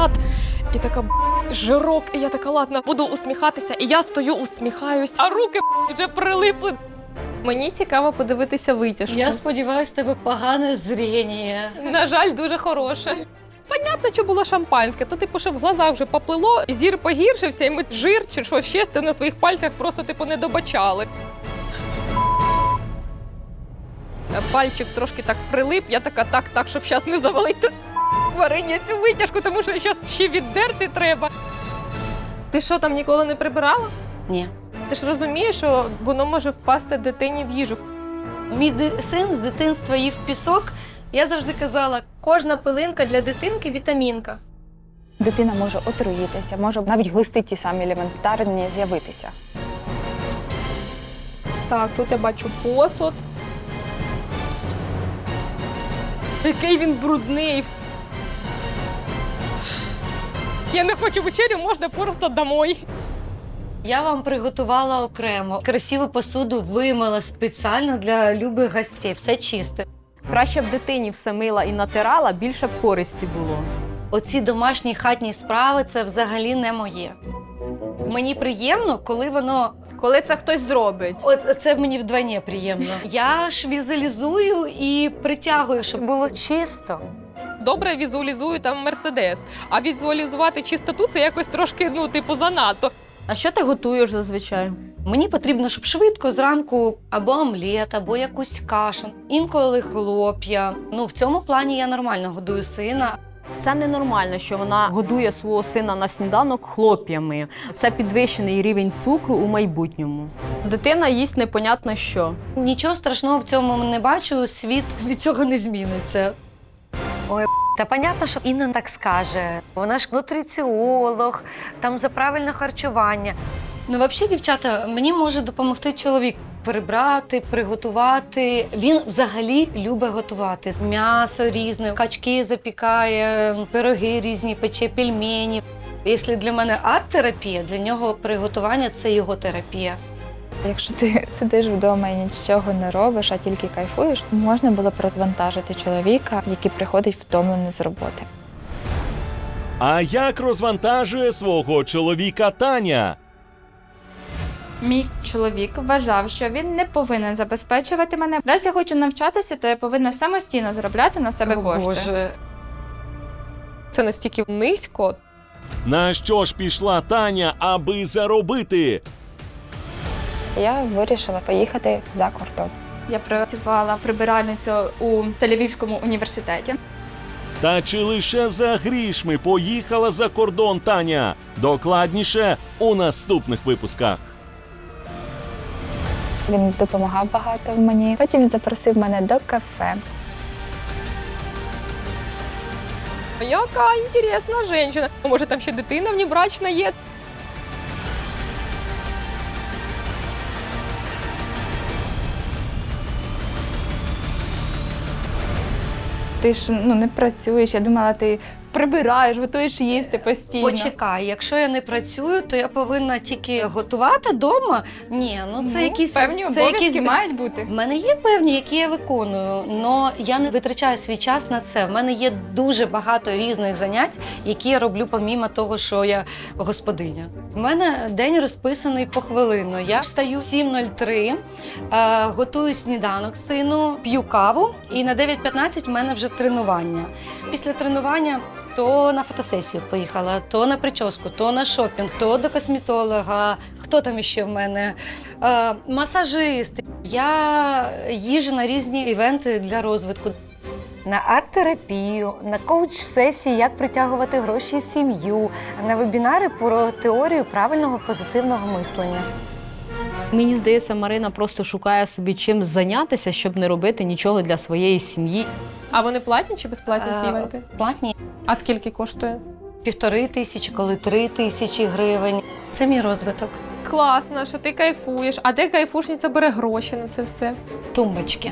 халат. І така жирок, і я така, ладно, буду усміхатися. І я стою, усміхаюсь, а руки вже прилипли. Мені цікаво подивитися витяжку. Я сподіваюся, тебе погане зріння. На жаль, дуже хороше. Понятно, що було шампанське, то типу, що в глазах вже поплило, зір погіршився, і ми жир чи що ще на своїх пальцях просто типу не добачали. Пальчик трошки так прилип, я така, так, щоб зараз не завалити варення цю витяжку, тому що зараз ще віддерти треба. Ти що, там ніколи не прибирала? Ні. Ти ж розумієш, що воно може впасти дитині в їжу. Мій син з дитинства їв пісок. Я завжди казала, Кожна пилинка для дитинки – вітамінка. Дитина може отруїтися, може навіть глисти ті самі елементарні з'явитися. Так, тут я бачу посуд. Який він брудний. Я не хочу вечерю, можна просто домой. я вам приготувала окремо. Красиву посуду вимила спеціально для любих гостей. Все чисте. Краще б дитині все мила і натирала, більше б користі було. Оці домашні хатні справи – це взагалі не моє. Мені приємно, коли воно… Коли це хтось зробить. От це мені вдвоє приємно. Я ж візуалізую і притягую, щоб було чисто. Добре візуалізую там Мерседес, а візуалізувати чистоту – це якось трошки, занадто. А що ти готуєш зазвичай? Мені потрібно, щоб швидко зранку або омлет, або якусь кашу, інколи хлоп'я. В цьому плані я нормально годую сина. Це ненормально, що вона годує свого сина на сніданок хлоп'ями. Це підвищений рівень цукру у майбутньому. Дитина їсть непонятно що. Нічого страшного в цьому не бачу, світ від цього не зміниться. Ой, та понятно, що Інна так скаже. Вона ж нутриціолог, там за правильне харчування. Взагалі, дівчата, мені може допомогти чоловік прибрати, приготувати. Він взагалі любить готувати. М'ясо різне, качки запікає, пироги різні, пече, пельмені. Якщо для мене арт-терапія, для нього приготування – це його терапія. Якщо ти сидиш вдома і нічого не робиш, а тільки кайфуєш, можна було б розвантажити чоловіка, який приходить втомлений з роботи. А як розвантажує свого чоловіка Таня? Мій чоловік вважав, що він не повинен забезпечувати мене. Раз я хочу навчатися, то я повинна самостійно заробляти на себе кошти. Боже. Це настільки низько. На що ж пішла Таня, аби заробити? Я вирішила поїхати за кордон. Я працювала прибиральницею у Тель-Авівському університеті. Та чи лише за грішми поїхала за кордон Таня? Докладніше у наступних випусках. Він допомагав багато мені. Потім він запросив мене до кафе. Яка інтересна жінка. Може, там ще дитина внебрачна є. Ти ж не працюєш, я думала, ти прибираєш, готуєш їсти постійно. Почекай, якщо я не працюю, то я повинна тільки готувати вдома? Ні, це якісь… Певні це обов'язки якісь… мають бути. В мене є певні, які я виконую, але я не витрачаю свій час на це. В мене є дуже багато різних занять, які я роблю помімо того, що я господиня. У мене день розписаний похвилинно. Я встаю в 7:03, готую сніданок сину, п'ю каву, і на 9:15 в мене вже тренування. Після тренування то на фотосесію поїхала, то на прическу, то на шопінг, то до косметолога, хто там іще в мене, масажист. Я їжджу на різні івенти для розвитку. На арт-терапію, на коуч-сесії, як притягувати гроші в сім'ю, на вебінари про теорію правильного позитивного мислення. Мені здається, Марина просто шукає собі чим зайнятися, щоб не робити нічого для своєї сім'ї. А вони платні чи безплатні ці івенти? Платні. А скільки коштує? 1500, коли 3000 гривень. Це мій розвиток. Класно, що ти кайфуєш. А де кайфушниця бере гроші на це все? Тумбочки.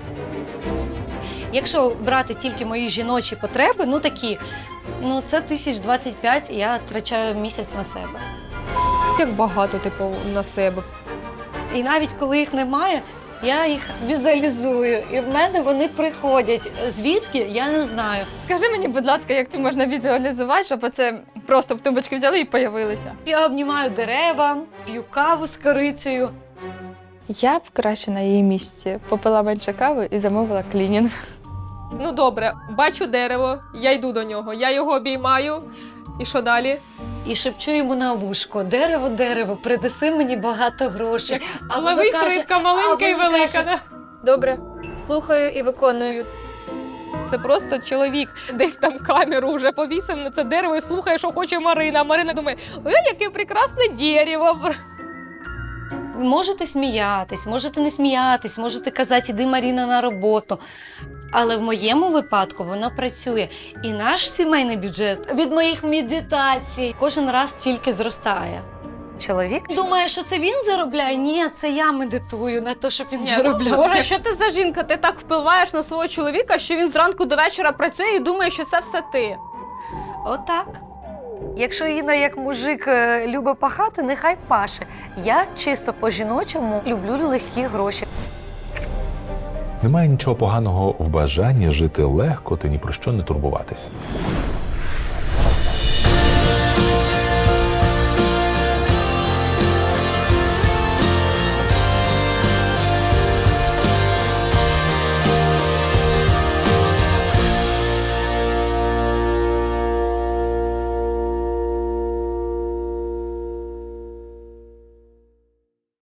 Якщо брати тільки мої жіночі потреби, це 1025 я втрачаю місяць на себе. Як багато, на себе. І навіть коли їх немає, Я їх візуалізую, і в мене вони приходять. Звідки? Я не знаю. Скажи мені, будь ласка, як це можна візуалізувати, щоб оце просто в тумбочки взяли і появилися? Я обнімаю дерева, п'ю каву з корицею. Я б краще на її місці попила менше кави і замовила клінінг. Ну добре, бачу дерево, я йду до нього, я його обіймаю. І що далі? І шепчу йому на вушко: дерево, дерево, принеси мені багато грошей. А воно Ловись, каже, рибка маленька а і воно велика. каже, Да? Добре, слухаю і виконую. Це просто чоловік десь там камеру вже повісив на це дерево і слухає, що хоче Марина. А Марина думає, ой, яке прекрасне дерево. Можете сміятись, можете не сміятись, можете казати, іди, Маріна, на роботу. Але в моєму випадку воно працює. І наш сімейний бюджет від моїх медитацій кожен раз тільки зростає. Чоловік думає, що це він заробляє? Ні, це я медитую на те, щоб він заробляв. Боже, що ти за жінка? Ти так впливаєш на свого чоловіка, що він зранку до вечора працює і думає, що це все ти. Отак. Якщо Інна як мужик любить пахати, нехай паше. Я чисто по-жіночому люблю легкі гроші. Немає нічого поганого в бажанні жити легко та ні про що не турбуватися.